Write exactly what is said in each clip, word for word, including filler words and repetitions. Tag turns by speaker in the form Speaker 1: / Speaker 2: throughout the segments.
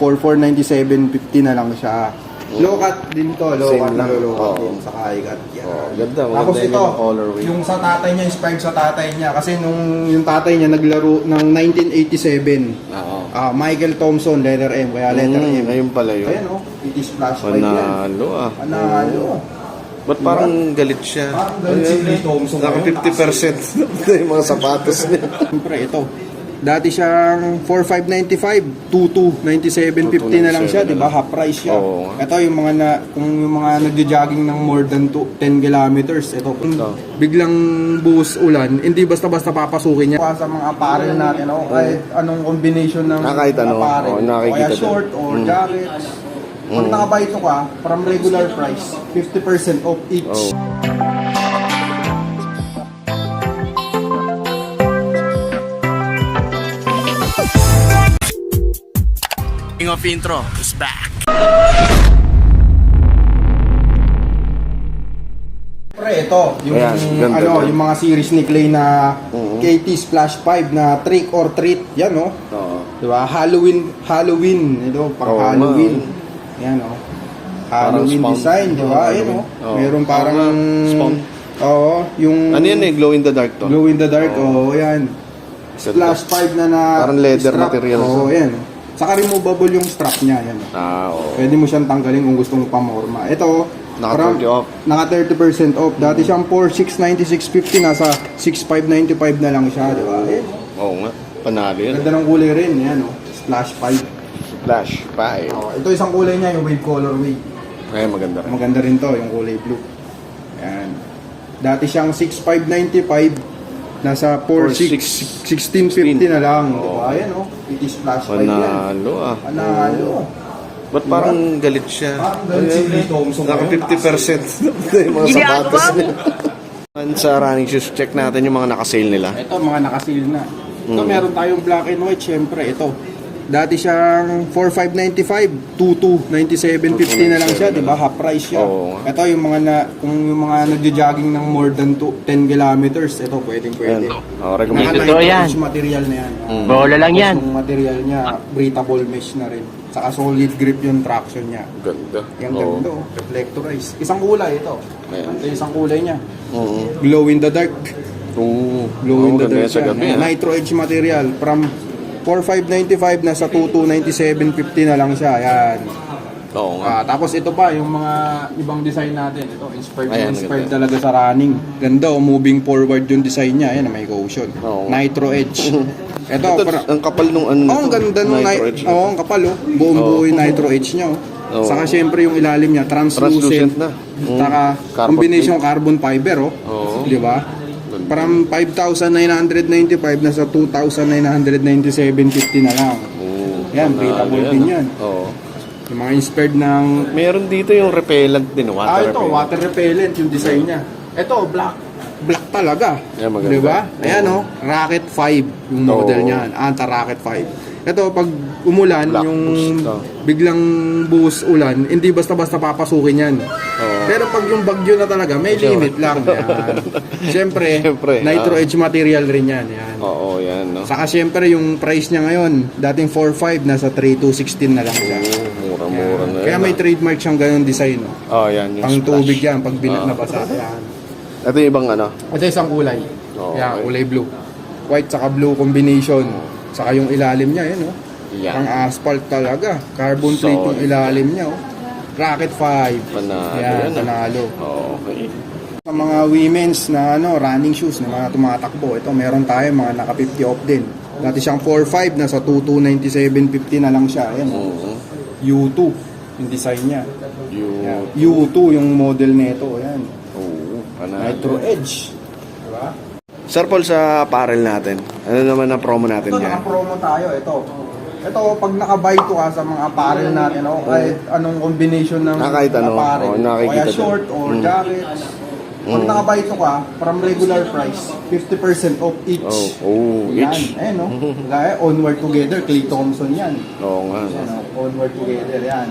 Speaker 1: four four ninety-seven fifty na lang siya. Low cut din to, low
Speaker 2: Same
Speaker 1: cut na
Speaker 2: lang.
Speaker 1: low cut
Speaker 2: Oo.
Speaker 1: din sa high cut. Yan.
Speaker 2: Oh, ganda,
Speaker 1: Tapos
Speaker 2: maganda
Speaker 1: ito,
Speaker 2: yung colorway.
Speaker 1: yung sa tatay niya, inspired sa tatay niya. Kasi nung yung tatay niya naglaro ng nineteen eighty-seven.
Speaker 2: Oo.
Speaker 1: Ah, Michael Thompson, letter M, kaya letter
Speaker 2: Mm,
Speaker 1: M.
Speaker 2: ayun pala yun.
Speaker 1: Ayan o, it is flash five yan.
Speaker 2: Panalo ah.
Speaker 1: Panalo.
Speaker 2: Ba't parang galit siya?
Speaker 1: Parang galit si Clay Thompson
Speaker 2: Naka
Speaker 1: ngayon,
Speaker 2: fifty percent yung mga sapatos niya.
Speaker 1: Siyempre, ito. Dati siyang four five ninety-five, two two ninety-seven fifty na lang siya, di ba? Half price siya.
Speaker 2: Oo.
Speaker 1: Ito yung mga na, kung yung mga nagja-jogging ng more than two, ten kilometers, ito. Kung biglang buhos ulan, hindi basta-basta papasukin niya. Sa mga apparel natin, oh, kahit anong combination ng
Speaker 2: Ah, kahit ano.
Speaker 1: apparel.
Speaker 2: Oo, nakikita
Speaker 1: kaya
Speaker 2: din.
Speaker 1: short or
Speaker 2: Mm.
Speaker 1: jackets. Pag nakabay ito ka, from regular price, fifty percent off each.
Speaker 2: Oh.
Speaker 3: King of Intro is back.
Speaker 1: Pre, ito, yung
Speaker 2: Ayan, ganda
Speaker 1: ano,
Speaker 2: din.
Speaker 1: yung mga series ni Clay na
Speaker 2: Mhm.
Speaker 1: K T Splash five na Trick or Treat, yan oh.
Speaker 2: Oo.
Speaker 1: Di ba? Halloween, Halloween, ito, pang
Speaker 2: Oo,
Speaker 1: Halloween.
Speaker 2: man.
Speaker 1: Yan oh. Halloween
Speaker 2: Parang spawn.
Speaker 1: design, di ba?
Speaker 2: Oo,
Speaker 1: Ayan
Speaker 2: Halloween.
Speaker 1: oh.
Speaker 2: Oo.
Speaker 1: Meron parang
Speaker 2: Oo nga, spawn.
Speaker 1: Oo, yung
Speaker 2: Ano yan eh? Glow in the dark to?
Speaker 1: glow in the dark,
Speaker 2: Oo.
Speaker 1: oh, yan. Splash five na na
Speaker 2: Parang leather
Speaker 1: strap.
Speaker 2: material.
Speaker 1: Oo, yan. Saka removable yung strap niya, yan.
Speaker 2: Ah, oo.
Speaker 1: Pwede mo siyang tanggalin kung gusto mo pamorma. Ito,
Speaker 2: Naka
Speaker 1: parang-
Speaker 2: thirty off.
Speaker 1: Naka thirty percent off. Dati siyang four six ninety-six fifty, nasa six five ninety-five na lang siya, di ba? Eh,
Speaker 2: Oo nga. Panalo yan.
Speaker 1: ganda ng kulay rin, yan oh. Splash five.
Speaker 2: Flash five.
Speaker 1: Oh, ito isang kulay niya, yung wave colorway.
Speaker 2: Ay, maganda rin.
Speaker 1: Maganda rin to, yung kulay blue. Yan. Dati siyang six five ninety-five, nasa four six sixteen fifty na lang. Di ba? Ayan oh. It is splash five yan.
Speaker 2: Panalo ah.
Speaker 1: Panalo.
Speaker 2: Ba't parang galit siya?
Speaker 1: Parang galit si Clay Thompson
Speaker 2: Naka
Speaker 1: ngayon,
Speaker 2: fifty percent yung mga sapatos niya. Sa running shoes, check natin yung mga naka-sale nila.
Speaker 1: Ito, mga nakasil na. Ito,
Speaker 2: Mm.
Speaker 1: meron tayong black and white, syempre. Ito, dati siyang four five ninety-five, two two ninety-seven fifty na lang siya, di ba? Half price siya.
Speaker 2: Oo.
Speaker 1: Ito, yung mga na, kung yung mga nagja-jogging ng more than two, ten kilometers, ito, pwedeng pwede.
Speaker 2: Ayan. Oh, recommended.
Speaker 1: Naka
Speaker 4: Totoo
Speaker 1: nine
Speaker 4: yan.
Speaker 1: inch material na yan.
Speaker 2: Mm.
Speaker 4: Bola lang yan.
Speaker 1: Yung material niya, breathable mesh na rin. Saka solid grip yung traction niya.
Speaker 2: Ganda.
Speaker 1: Yung
Speaker 2: Oo.
Speaker 1: ganda, oh. Reflectorized. Isang kulay ito.
Speaker 2: Ayan.
Speaker 1: Ito yung isang kulay niya.
Speaker 2: Oo.
Speaker 1: Glow in the dark.
Speaker 2: Oo.
Speaker 1: Glow in
Speaker 2: Oo,
Speaker 1: the
Speaker 2: ganda
Speaker 1: dark
Speaker 2: yan sa
Speaker 1: yan.
Speaker 2: gabi.
Speaker 1: Ayan,
Speaker 2: ah.
Speaker 1: Nitro Edge material from four five ninety-five na sa two two ninety-seven fifty na lang siya. Ayan.
Speaker 2: Oo nga.
Speaker 1: Ah, tapos ito pa yung mga ibang design natin. Ito inspired,
Speaker 2: Ayan,
Speaker 1: inspired
Speaker 2: ganda.
Speaker 1: talaga sa running. Ganda, oh, moving forward yung design niya. Ayan, may cushion.
Speaker 2: Oo.
Speaker 1: Nitro Edge. Ito,
Speaker 2: Ito,
Speaker 1: para,
Speaker 2: ang kapal nung ano.
Speaker 1: oh, ang ganda nung
Speaker 2: Nitro
Speaker 1: nitro
Speaker 2: Edge.
Speaker 1: oh, ang kapal oh. Buong buo yung Nitro Edge niya oh.
Speaker 2: Oo.
Speaker 1: Saka syempre yung ilalim niya
Speaker 2: Translucent
Speaker 1: translucent.
Speaker 2: na. Mm.
Speaker 1: Saka
Speaker 2: Carbon
Speaker 1: combination carbon fiber oh.
Speaker 2: Oo.
Speaker 1: Di ba? From five thousand nine hundred ninety-five na sa two thousand nine hundred ninety-seven fifty na lang.
Speaker 2: Oo.
Speaker 1: Yan,
Speaker 2: Panalo
Speaker 1: breathable din yan.
Speaker 2: Oo.
Speaker 1: Yung mga inspired ng
Speaker 2: Meron dito yung repellent din, water
Speaker 1: ah, ito,
Speaker 2: repellent.
Speaker 1: water repellent yung design niya. Ito, black. Black talaga.
Speaker 2: Yan, maganda.
Speaker 1: Di ba? Ayan oh, Rocket five yung model
Speaker 2: Oo.
Speaker 1: niyan. Anta Rocket five. Ito, pag umulan,
Speaker 2: Black
Speaker 1: yung
Speaker 2: boost, oh.
Speaker 1: biglang buhos ulan, hindi basta-basta papasukin yan.
Speaker 2: Oo.
Speaker 1: Pero pag yung bagyo na talaga, may limit lang. Yan. Siyempre,
Speaker 2: Siyempre,
Speaker 1: Nitro
Speaker 2: ah.
Speaker 1: Edge material rin yan. Yan.
Speaker 2: Oo, yan, no?
Speaker 1: Saka siyempre, yung price niya ngayon, dating four five, nasa three two sixteen na lang siya.
Speaker 2: Oo, mura-mura na yan.
Speaker 1: Kaya may
Speaker 2: ah.
Speaker 1: trademark siyang ganun design. No?
Speaker 2: Oh, yan, yung
Speaker 1: Pang
Speaker 2: splash.
Speaker 1: tubig yan, pag binat
Speaker 2: Ah.
Speaker 1: na basa. Yan.
Speaker 2: Ito yung ibang ano.
Speaker 1: Ito isang kulay.
Speaker 2: Oo,
Speaker 1: Yan,
Speaker 2: okay.
Speaker 1: kulay blue. White saka blue combination. Saka yung ilalim niya, yan oh.
Speaker 2: Yan.
Speaker 1: Pang asphalt talaga. Carbon plate yung
Speaker 2: Solid.
Speaker 1: ilalim niya oh. Rocket five.
Speaker 2: Panalo
Speaker 1: Yan,
Speaker 2: yan, ah.
Speaker 1: panalo.
Speaker 2: Okay.
Speaker 1: Sa mga women's na ano, running shoes na mga tumatakbo, ito meron tayo mga naka fifty off din. Dati siyang four five, nasa two two ninety-seven fifty na lang siya. Ayan, oh.
Speaker 2: Oo.
Speaker 1: U two yung design niya.
Speaker 2: Yung...
Speaker 1: Yan. U two yung model nito. Ayan.
Speaker 2: Oo, panalo.
Speaker 1: Nitro Edge. Diba?
Speaker 2: Sir Paul, sa apparel natin, ano naman ang promo natin
Speaker 1: Ito,
Speaker 2: dyan?
Speaker 1: naka-promo tayo. Ito. Ito, pag naka-buy to ka sa mga apparel natin, oh, kahit anong combination ng
Speaker 2: Ah, kahit ano.
Speaker 1: apparel,
Speaker 2: Oh, nakikita
Speaker 1: kaya
Speaker 2: din.
Speaker 1: short or
Speaker 2: Mm.
Speaker 1: jackets, pag
Speaker 2: Mm.
Speaker 1: naka-buy to ka, from regular price, fifty percent off each.
Speaker 2: Oh, oh,
Speaker 1: Yan,
Speaker 2: each.
Speaker 1: ayan no. Gaya, Onward Together, Clay Thompson yan.
Speaker 2: Oo nga.
Speaker 1: Yan, oh, Onward Together, yan.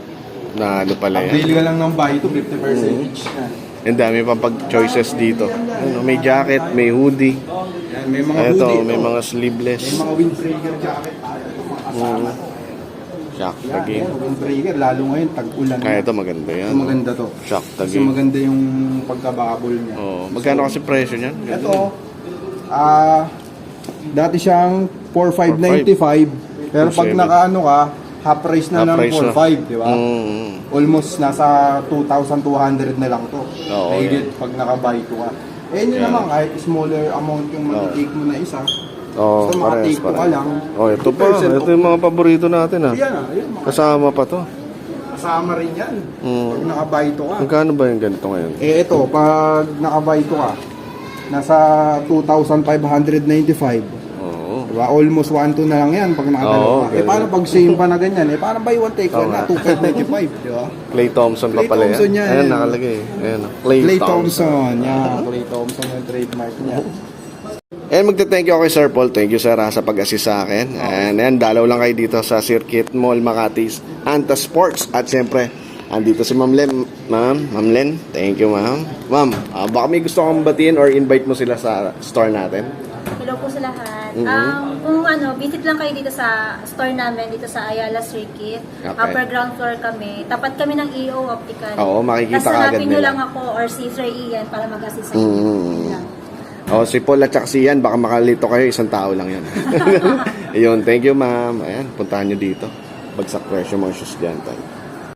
Speaker 2: Na ano pala yan.
Speaker 1: Avail ka lang ng buy to, fifty percent
Speaker 2: Mm.
Speaker 1: each. Yan.
Speaker 2: Ang dami pang pag-choices dito. Ano, may jacket, may hoodie.
Speaker 1: Yan, may mga
Speaker 2: Ito,
Speaker 1: hoodie.
Speaker 2: may
Speaker 1: ito.
Speaker 2: mga sleeveless.
Speaker 1: May mga windbreaker jacket tayo. Ito, mga kasama
Speaker 2: Mm.
Speaker 1: to.
Speaker 2: Shock
Speaker 1: Yan,
Speaker 2: Tagi.
Speaker 1: yan, yung breaker, lalo ngayon, tag-ulan.
Speaker 2: Kaya ito maganda yan.
Speaker 1: Ito maganda to.
Speaker 2: Shock
Speaker 1: Kasi
Speaker 2: Tagi.
Speaker 1: maganda yung pagkababol niya.
Speaker 2: Oh, magkano kasi presyo niyan?
Speaker 1: Ito, ah, dati siyang four five ninety-five, pero pag
Speaker 2: two seven.
Speaker 1: nakaano ka, half price na
Speaker 2: Half
Speaker 1: ng
Speaker 2: price
Speaker 1: four
Speaker 2: na.
Speaker 1: five, di ba?
Speaker 2: Mm.
Speaker 1: Almost nasa two thousand two hundred na lang to.
Speaker 2: Oo,
Speaker 1: Mahigit pag naka-buy to ka. Eh, yun
Speaker 2: Yan.
Speaker 1: naman, kahit smaller amount yung
Speaker 2: Oo.
Speaker 1: matitake mo na isa,
Speaker 2: Oh,
Speaker 1: basta
Speaker 2: parehas
Speaker 1: makatake ko ka
Speaker 2: parehas.
Speaker 1: lang.
Speaker 2: Oh, ito pa.
Speaker 1: fifty percent
Speaker 2: Ito yung mga paborito natin ah.
Speaker 1: Yan ah, yun, mga
Speaker 2: Kasama pa to.
Speaker 1: kasama rin yan.
Speaker 2: Mm.
Speaker 1: Pag naka-buy to ka.
Speaker 2: Magkano ba yung ganito ngayon?
Speaker 1: Eh, ito, pag naka-buy to ka, nasa two thousand five hundred ninety-five.
Speaker 2: Oo.
Speaker 1: Diba? Almost one two na lang yan pag nakadalawa.
Speaker 2: Oo,
Speaker 1: eh,
Speaker 2: ganun.
Speaker 1: paano pag same pa na ganyan? Eh, paano buy one take
Speaker 2: Oo
Speaker 1: one na
Speaker 2: nga.
Speaker 1: two five ninety-five, di ba?
Speaker 2: Clay Thompson pa
Speaker 1: Clay
Speaker 2: pala
Speaker 1: Thompson
Speaker 2: yan.
Speaker 1: yan.
Speaker 2: Ayan, nakalagay. Ayan. oh. Clay,
Speaker 1: Clay
Speaker 2: Thompson.
Speaker 1: Thompson. Yeah, Clay Thompson yung trademark niya.
Speaker 2: And magte-thank you ako kay Sir Paul. Thank you sir ha, sa pag-assist sa akin. And ayan, dalaw lang kayo dito sa Circuit Mall Makati's Anta Sports. At siyempre, andito si Ma'am Len. Ma'am, Ma'am Len, thank you ma'am. Ma'am, ah, baka may gusto kong batiin or invite mo sila sa store natin.
Speaker 4: Hello po sa lahat.
Speaker 2: Mhm.
Speaker 4: Um, kung ano, visit lang kayo dito sa store namin, dito sa Ayala Circuit.
Speaker 2: Okay.
Speaker 4: Upper ground floor kami. Tapat kami ng E O Optical.
Speaker 2: Oo, makikita
Speaker 4: Tapos
Speaker 2: ka agad
Speaker 4: hanapin nyo
Speaker 2: nila.
Speaker 4: lang ako or si Sir Ian para mag-assist sa
Speaker 2: Mhm.
Speaker 4: inyo. Yun lang.
Speaker 2: Oh, si Paul at saka si Ian, baka makalito kayo, isang tao lang yan. Ayun, thank you ma'am. Ayan, puntahan nyo dito. Bagsak presyo mga shoes dyan tayo.